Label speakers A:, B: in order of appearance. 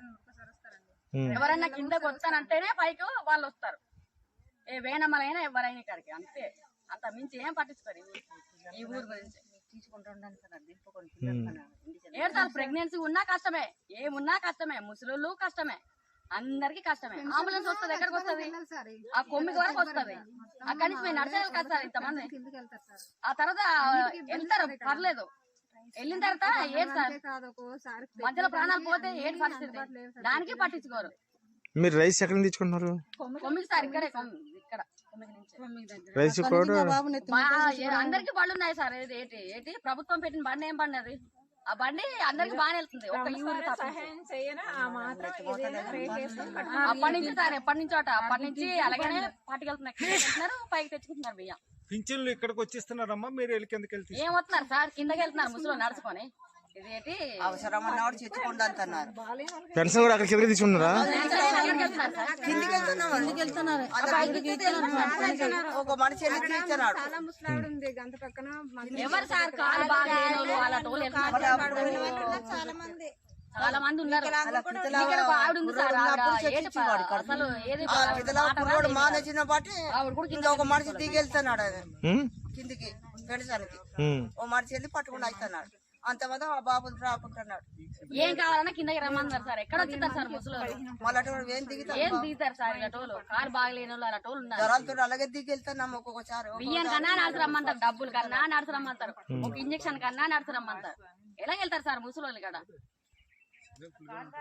A: ఎవరన్నా కిందకు వస్తానంటేనే పైకి వాళ్ళు వస్తారు. ఏ వేనమ్మలైనా ఎవరైనా ఇక్కడికి అంతే. అంత మించి ఏం పట్టించుకోరు ఈ ఊరు గురించి. ఏడు ప్రెగ్నెన్సీ ఉన్నా కష్టమే, ఏమున్నా కష్టమే, ముసలు కష్టమే, అందరికి కష్టమే. అంబులెన్స్ వస్తుంది, ఎక్కడికి వస్తుంది? ఆ కొమ్మికి వరకు వస్తుంది. అక్కడి నుంచి మేము నడిచేయాలి కదా సార్ ఇంతమంది. ఆ తర్వాత వెళ్తారు పర్లేదు, వెళ్ళిన తర్వాత ఏడు సార్ మధ్యలో ప్రాణాలు పోతే ఏడు పరిస్థితి, దానికి పట్టించుకోరు.
B: మీరు రైస్ ఎక్కడ తెచ్చుకుంటున్నారు?
A: కొమ్మికి సార్ ఇక్కడే, ఇక్కడ
B: రైస్
A: అందరికి బండ్లు ఉన్నాయి సార్. ఏంటి ఏంటి ప్రభుత్వం పెట్టిన బండి ఏం బండి అది? ఆ బండి అందరికి బాగానే వెళ్తుంది. ఒక అప్పటి నుంచి సార్ ఎప్పటి నుంచో అప్పటి నుంచి అలాగనే పట్టుకెళ్తున్నారు, పైకి తెచ్చుకుంటున్నారు బియ్యం.
C: పింఛన్లు ఇక్కడికి వచ్చిస్తున్నారమ్మా, మీరు వెళ్ళి కిందకి వెళ్తే
A: ఏం వస్తున్నారు సార్? కిందకి వెళ్తున్నారు ముసలు నడుచుకొని. ఇదేంటి
D: అవసరం అన్నవాడు చర్చకుండా అంటున్నారు.
B: పెన్షన్ కూడా అక్కడ కిందకి తీసుకున్నారా?
D: ఒక మనిషి ఇచ్చినాడు.
A: ఎవరు సార్ కాలు బాగా చాలా మంది ఉన్నారు.
D: మానేసిన బట్టి ఒక మనిషి దిగెళ్తున్నాడు కిందికి పెడసానికి. ఓ మనిషి వెళ్ళి పట్టుకుని అవుతున్నాడు. అంతమంది ఆ బాబులు రాకుంటున్నాడు.
A: ఏం కావాలన్నా కిందకి రమ్మన్నారు సార్. ఎక్కడ వచ్చింటారు సార్ ముసలు?
D: మళ్ళీ ఏం
A: దిగుతారు సార్? ఇలాటోళ్ళు కారు బాగలేని వాళ్ళు అలాటోళ్ళు ఉన్నారు.
D: జ్వరాలతో అలాగే దిగెళ్తున్నాము. ఒక్కొక్కసారి
A: బియ్యం కన్నా నడిచి రమ్మంటారు, డబ్బులు కన్నా నడిచి రమ్మంటారు, ఒక ఇంజక్షన్ కన్నా నడిచి రమ్మంటారు. ఎలా వెళ్తారు సార్ ముసలి వాళ్ళు ఇక్కడ?